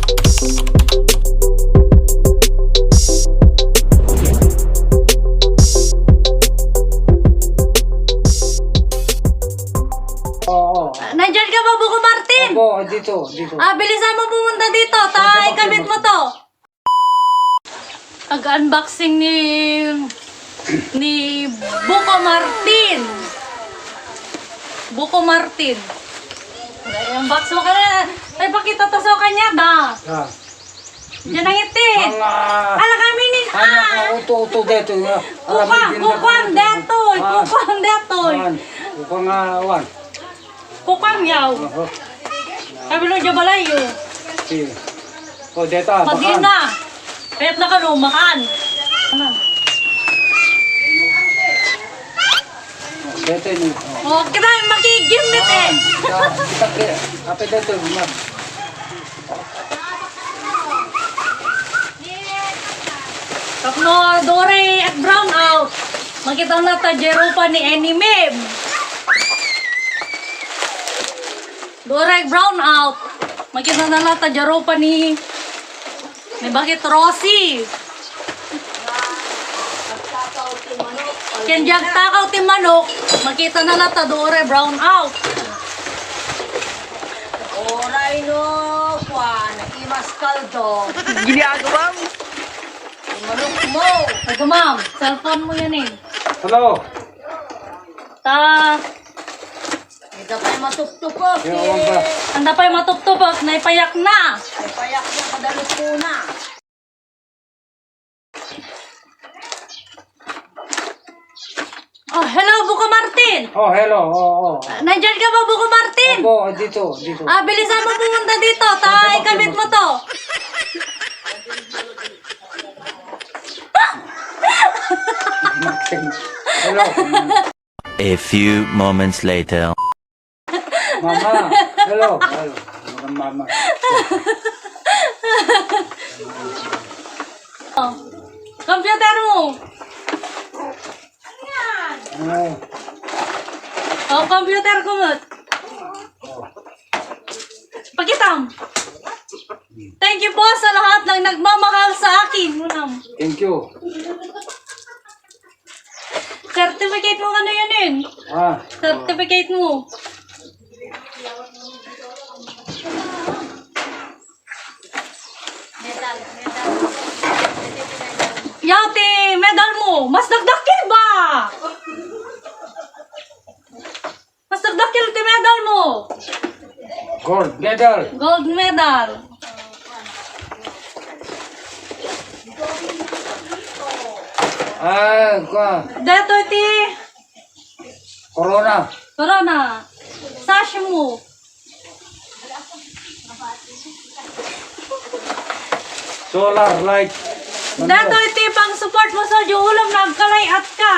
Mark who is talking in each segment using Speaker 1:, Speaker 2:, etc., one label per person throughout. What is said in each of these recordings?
Speaker 1: Oo.
Speaker 2: Nandyan ka ba, Buko Martin?
Speaker 1: Opo, dito.
Speaker 2: Bilisan mo pumunta dito. Ikabit mo to. Ag-unboxing ni Buko Martin. Buko Martin. I-unbox mo ka na. Ay, pakita to sa kanya ba?
Speaker 1: Ah.
Speaker 2: Diyan ang itin. Ala kami ni...
Speaker 1: Uto dito.
Speaker 2: Kukwang detoy. Kukwang detoy.
Speaker 1: Kukwang awan.
Speaker 2: Kukwang yaw. Kami nung jabalayo.
Speaker 1: Si. O, dito.
Speaker 2: Madina. Kahit na ka lumakan.
Speaker 1: Dito ni.
Speaker 2: Oh, kita makigimit eh.
Speaker 1: Apa dito, ma'am?
Speaker 2: Tapno, Dore at brown out. Makita na ta jero pa ni Enimem. Dore at brown out. Makita na ta jero pa ni bakit Rossi. Kenjag takaw ti manok. Makita na ta Dore brown out.
Speaker 3: Oray no, Juan, imas kaldo.
Speaker 2: Ginagawa mo.
Speaker 3: Manok mo.
Speaker 2: Ito ma'am, cellphone mo yan eh.
Speaker 1: Hello.
Speaker 3: Ito pa'y matuptupok
Speaker 1: Ba?
Speaker 3: eh.
Speaker 2: Anda pa'y matuptupok, naipayak na.
Speaker 3: May payak niya kadalot po na.
Speaker 2: Oh, hello, Buko Martin.
Speaker 1: Oh, hello. Oo.
Speaker 2: Nandyan ka ba, Buko Martin?
Speaker 1: Opo, dito.
Speaker 2: Bilisan mo pumunta dito. Ikabit mo to.
Speaker 1: Hello.
Speaker 4: A few moments later.
Speaker 1: Mama. Hello. Mama.
Speaker 2: Oh, computer mo. Oh, computer ko mo. Pakitam. Thank you po sa lahat ng nagmamahal sa akin.
Speaker 1: Thank you.
Speaker 2: Certificate mo ano yan yun? Certificate mo. Yate, medal mo. Mas dagdakil ba? Mas dagdakil ti medal mo.
Speaker 1: Gold medal.
Speaker 2: Gold medal. Dato ti
Speaker 1: Corona.
Speaker 2: Corona. Sash mo.
Speaker 1: Solar light.
Speaker 2: Dato iti pang support mo sa ulam nagkalayat ka.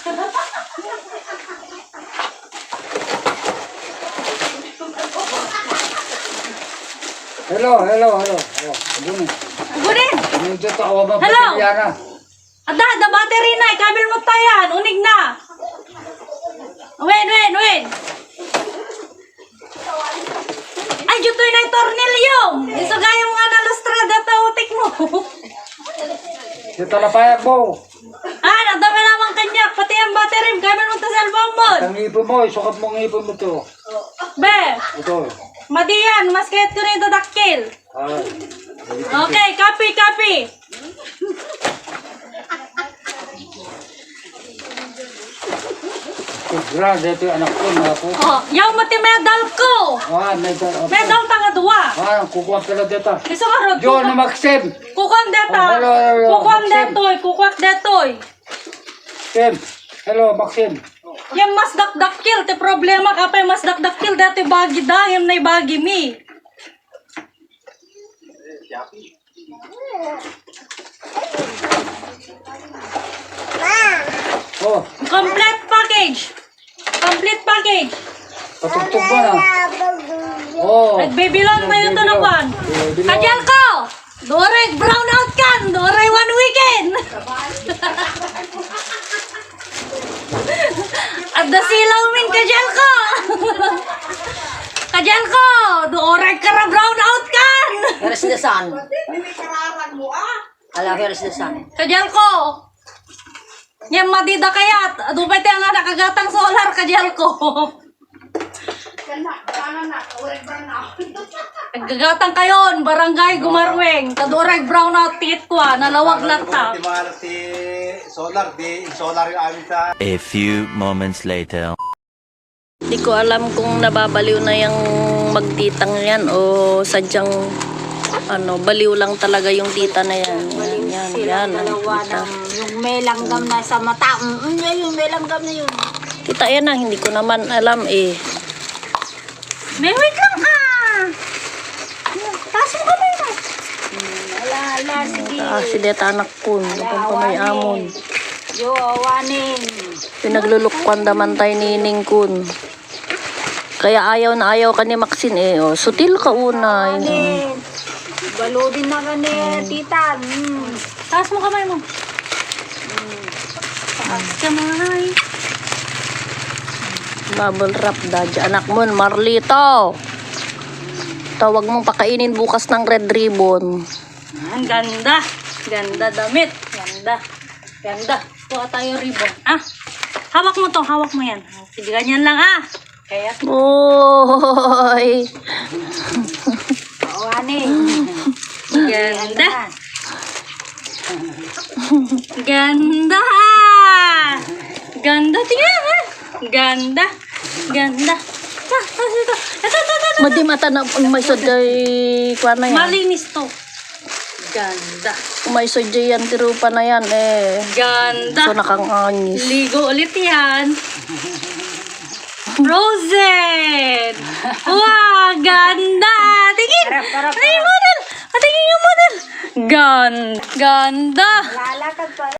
Speaker 1: Hello. Guni.
Speaker 2: Gunin.
Speaker 1: Dito ako ba
Speaker 2: Hello.
Speaker 1: Yana?
Speaker 2: Ada battery na. Kabil mo tayan. Unig na. Win. Ay, jutoy na yung tornilyong. Iso gaya mga nalustrada ta utik mo.
Speaker 1: Dito lapayak mo.
Speaker 2: Nadami naman kanyak. Pati ang battery. Kabil mo ta cellphone mo.
Speaker 1: Ang ipon mo, isukat mo ang ipon mo to.
Speaker 2: Be.
Speaker 1: Ito.
Speaker 2: Madiyan. Mas kahit ko na ito dakil. Okay, copy.
Speaker 1: Grande ito yung anak ko, mga po.
Speaker 2: Oh, yaw mo ti medal ko.
Speaker 1: Medal.
Speaker 2: Medal tanga duwa.
Speaker 1: Kukuha pala dito.
Speaker 2: Iso ka ro.
Speaker 1: Diyo na Maxim.
Speaker 2: Kukwang deta.
Speaker 1: Hello,
Speaker 2: Kukwang
Speaker 1: Maxim.
Speaker 2: detoy.
Speaker 1: Tim. Hello, Maxim.
Speaker 2: Yung mas dakdakil, ti problema ka pa mas dakdakil dati bagi da, yung naibagi mi.
Speaker 1: Oh,
Speaker 2: Complete package.
Speaker 1: patugtog ba na? Oh.
Speaker 2: Nagbibilon mo yung tunukan. Kajal ko! Dore, brown out kan! Dore, one weekend! At the silaw min, kajal ko! Kajal ko! Dore, kara brown out kan!
Speaker 3: the sun. Ala, here is the sun.
Speaker 2: Kajal ko. Yan madida kayat. Dupay tayo nga nakagatang solar kajal ko. Nagagatang kayon, barangay Gumarweng. Kadurag brown out tiit ko nalawag lata.
Speaker 5: Di mga si solar, di solar yung amin sa...
Speaker 4: A few moments later.
Speaker 2: Hindi ko alam kung nababaliw na yung magtitang yan o sadyang baliw lang talaga yung tita na yan. Yan, ang tita.
Speaker 3: Yung may langgam na sa mata. Yung may langgam na yun.
Speaker 2: Tita yan hindi ko naman alam eh. May wait lang taas mo kamay mo.
Speaker 3: Ala, sige.
Speaker 2: Si Deta anak ko, kung pamayamon.
Speaker 3: Yo, awanin.
Speaker 2: Pinaglulukwan daman tayo ni Nining kun. Kaya ayaw na ayaw ka ni Maxine eh. Oh, sutil ka una.
Speaker 3: Awanin. Balo din na ka ni tita.
Speaker 2: Taas mo kamay mo. Taas kamay. Bubble wrap dadya. Anak mo, Marlito. Tawag mong pakainin bukas ng red ribbon. Ang ganda. Ganda damit. Ganda. Kuha tayo ribbon. Hawak mo to. Hawak mo yan. Sige, ganyan lang Kaya. Oy.
Speaker 3: Awanin.
Speaker 2: Ganda. Ganda. Ganda. Tingnan Ganda. Ito. Madi mata na may soday kwa na yan. Malinis to. Ganda. May soday yan tirupa na yan Ganda. So nakangangis. Ligo ulit yan. Frozen. Wow, ganda. Tingin. Tingin yung model. Tingin yung model. Ganda.
Speaker 3: Lalakad pa.